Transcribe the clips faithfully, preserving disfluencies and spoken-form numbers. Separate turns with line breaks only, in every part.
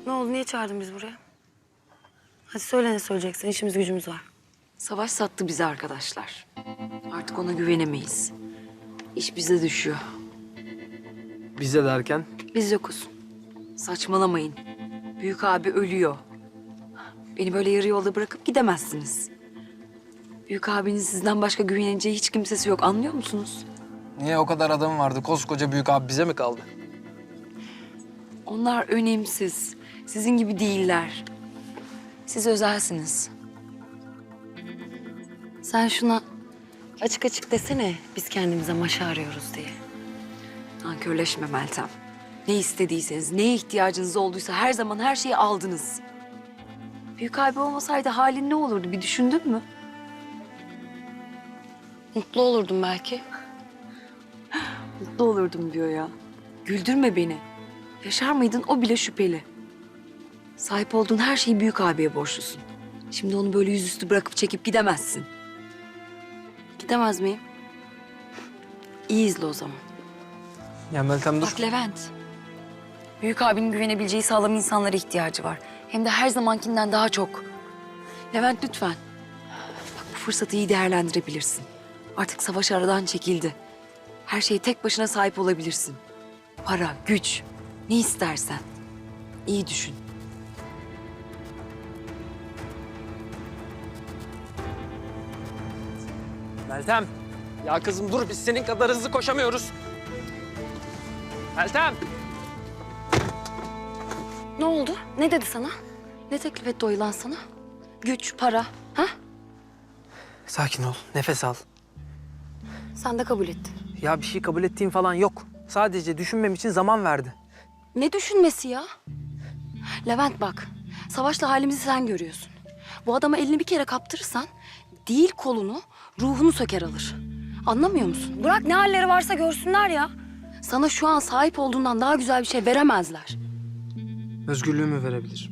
Ne oldu? Niye çağırdın biz buraya? Hadi söyle ne söyleyeceksin. İşimiz gücümüz var.
Savaş sattı bizi arkadaşlar. Artık ona güvenemeyiz. İş bize düşüyor.
Bize derken?
Biz yokuz. Saçmalamayın. Büyük abi ölüyor. Beni böyle yarı yolda bırakıp gidemezsiniz. Büyük abinin sizden başka güveneceği hiç kimsesi yok. Anlıyor musunuz?
Niye o kadar adam vardı? Koskoca büyük abi bize mi kaldı?
Onlar önemsiz. Sizin gibi değiller. Siz özelsiniz.
Sen şuna açık açık desene biz kendimize maşa arıyoruz diye.
Nankörleşme Meltem. Ne istediyseniz, neye ihtiyacınız olduysa her zaman her şeyi aldınız. Büyük abi olmasaydı halin ne olurdu bir düşündün mü?
Mutlu olurdum belki.
Mutlu olurdum diyor ya. Güldürme beni. Yaşar mıydın o bile şüpheli. Sahip olduğun her şeyi büyük abiye borçlusun. Şimdi onu böyle yüzüstü bırakıp çekip gidemezsin.
Gidemez miyim? İyi izle o zaman.
Ya Meltem dur.
Bak Levent. Büyük abinin güvenebileceği sağlam insanlara ihtiyacı var. Hem de her zamankinden daha çok. Levent lütfen. Bak bu fırsatı iyi değerlendirebilirsin. Artık savaş aradan çekildi. Her şeye tek başına sahip olabilirsin. Para, güç, ne istersen. İyi düşün.
Meltem. Ya kızım dur, biz senin kadar hızlı koşamıyoruz. Meltem.
Ne oldu? Ne dedi sana? Ne teklif etti o yılan sana? Güç, para, ha?
Sakin ol, nefes al.
Sen de kabul ettin.
Ya bir şey kabul ettiğim falan yok. Sadece düşünmem için zaman verdi.
Ne düşünmesi ya? Levent bak, Savaş'la halimizi sen görüyorsun. Bu adama elini bir kere kaptırırsan değil kolunu, ruhunu söker alır. Anlamıyor musun? Bırak ne halleri varsa görsünler ya. Sana şu an sahip olduğundan daha güzel bir şey veremezler.
Özgürlüğümü verebilir.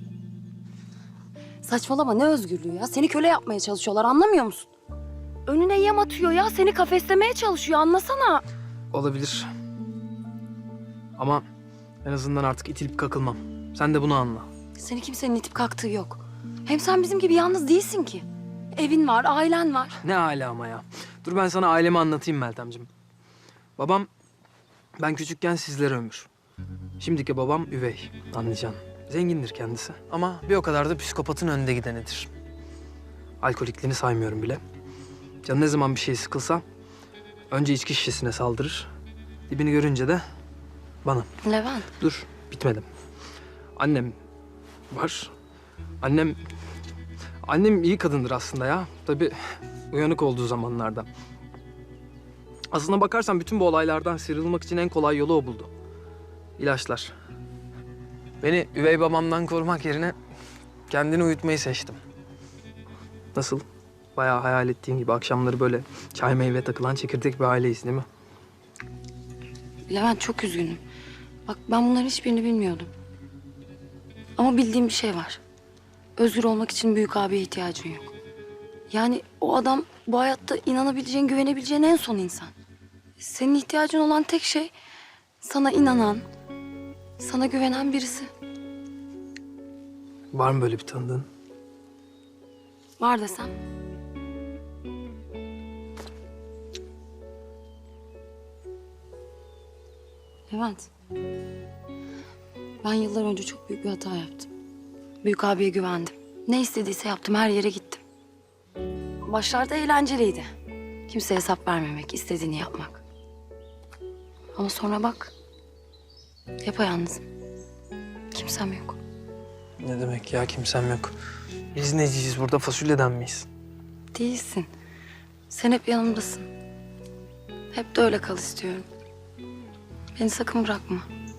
Saçmalama ne özgürlüğü ya? Seni köle yapmaya çalışıyorlar anlamıyor musun? Önüne yem atıyor ya. Seni kafeslemeye çalışıyor anlasana.
Olabilir. Ama en azından artık itilip kakılmam. Sen de bunu anla.
Seni kimsenin itip kalktığı yok. Hem sen bizim gibi yalnız değilsin ki. Evin var, ailen var.
Ne âlâ ama ya. Dur ben sana ailemi anlatayım Meltemciğim. Babam, ben küçükken sizlere ömür. Şimdiki babam üvey, anlayacaksın. Zengindir kendisi ama bir o kadar da psikopatın önünde gidenidir. Alkolikliğini saymıyorum bile. Canı ne zaman bir şey sıkılsa önce içki şişesine saldırır. Dibini görünce de bana.
Levent.
Dur, bitmedim. Annem var. Annem... Annem iyi kadındır aslında ya. Tabii uyanık olduğu zamanlarda. Aslına bakarsan bütün bu olaylardan sıyrılmak için en kolay yolu o buldu. İlaçlar. Beni üvey babamdan korumak yerine kendini uyutmayı seçtim. Nasıl? Bayağı hayal ettiğin gibi akşamları böyle çay meyve takılan çekirdek bir aileyiz değil mi?
Levent çok üzgünüm. Bak ben bunların hiçbirini bilmiyordum. Ama bildiğim bir şey var. Özgür olmak için büyük abiye ihtiyacın yok. Yani o adam bu hayatta inanabileceğin, güvenebileceğin en son insan. Senin ihtiyacın olan tek şey sana inanan, sana güvenen birisi.
Var mı böyle bir tanıdığın?
Var desem. Levent. Ben yıllar önce çok büyük bir hata yaptım. Büyük abiye güvendim. Ne istediyse yaptım, her yere gittim. Başlarda eğlenceliydi. Kimseye hesap vermemek, istediğini yapmak. Ama sonra bak, yapayalnızım. Kimsem yok.
Ne demek ya, kimsem yok. Biz neciyiz burada, fasulyeden miyiz?
Değilsin. Sen hep yanımdasın. Hep de öyle kal istiyorum. Beni sakın bırakma.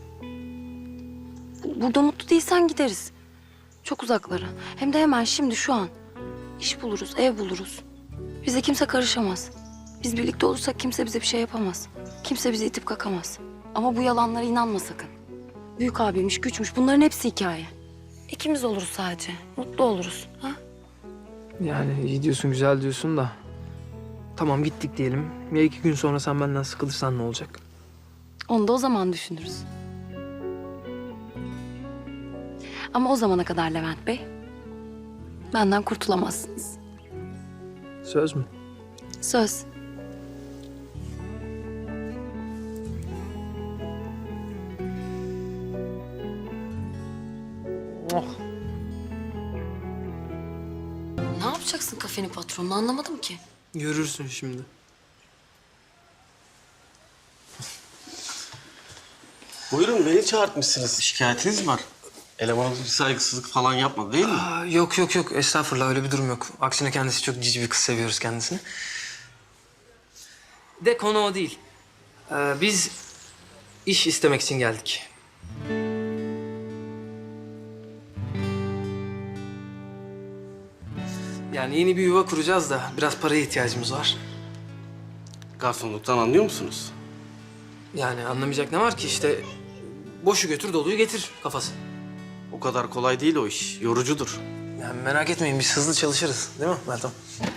Burada mutlu değilsen gideriz. Çok uzaklara. Hem de hemen şimdi şu an. İş buluruz, ev buluruz. Bize kimse karışamaz. Biz birlikte olursak kimse bize bir şey yapamaz. Kimse bizi itip kakamaz. Ama bu yalanlara inanma sakın. Büyük abiymiş, güçmüş bunların hepsi hikaye. İkimiz oluruz sadece. Mutlu oluruz. Ha?
Yani iyi diyorsun, güzel diyorsun da. Tamam gittik diyelim. Ya iki gün sonra sen benden sıkılırsan ne olacak?
Onu da o zaman düşünürüz. Ama o zamana kadar Levent Bey, benden kurtulamazsınız.
Söz mü?
Söz.
Oh.
Ne yapacaksın kafenin patronunu anlamadım ki.
Görürsün şimdi.
Buyurun, beni çağırtmışsınız. Şikayetiniz mi var? Elemanınız bir saygısızlık falan yapmadı değil mi?
Aa, yok yok yok estağfurullah öyle bir durum yok. Aksine kendisi çok cici bir kız, seviyoruz kendisini. De konu o değil. Ee, biz iş istemek için geldik. Yani yeni bir yuva kuracağız da biraz paraya ihtiyacımız var.
Garsonluktan anlıyor musunuz?
Yani anlamayacak ne var ki işte boşu götür doluyu getir kafası.
O kadar kolay değil o iş. Yorucudur.
Yani merak etmeyin biz hızlı çalışırız değil mi Meltem?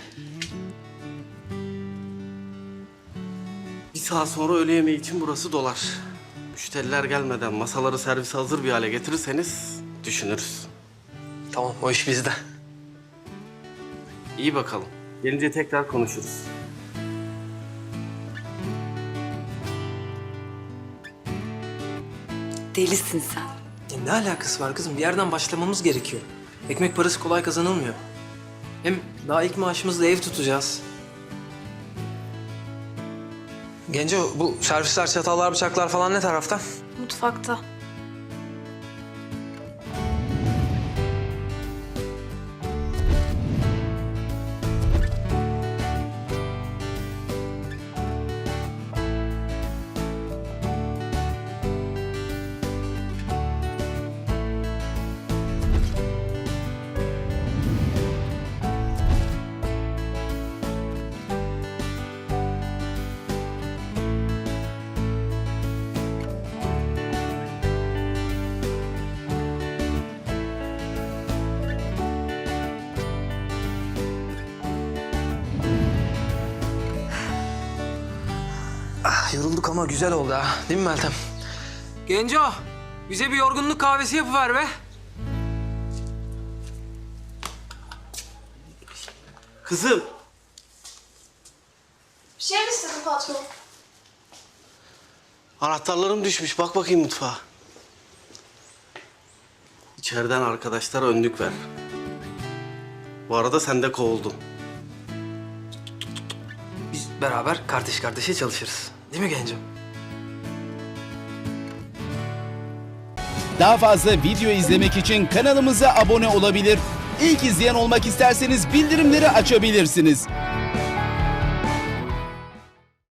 Bir saat sonra öğle yemeği için burası dolar. Müşteriler gelmeden masaları servise hazır bir hale getirirseniz düşünürüz.
Tamam o iş bizde.
İyi bakalım. Gelince tekrar konuşuruz.
Delisin sen.
Ya ne alakası var kızım? Bir yerden başlamamız gerekiyor. Ekmek parası kolay kazanılmıyor. Hem daha ilk maaşımızla ev tutacağız. Genco bu servisler, çatallar, bıçaklar falan ne tarafta?
Mutfakta.
Ah, yorulduk ama güzel oldu ha. Değil mi Meltem? Genco, bize bir yorgunluk kahvesi yapıver be.
Kızım,
Bir şey mi istedin patron?
anahtarlarım düşmüş. Bak bakayım mutfağa. İçeriden arkadaşlara önlük ver. Bu arada sen de kovuldun.
Biz beraber kardeş kardeşe çalışırız. Değil mi Genco?
Daha fazla video izlemek için kanalımıza abone olabilir. İlk izleyen olmak isterseniz bildirimleri açabilirsiniz.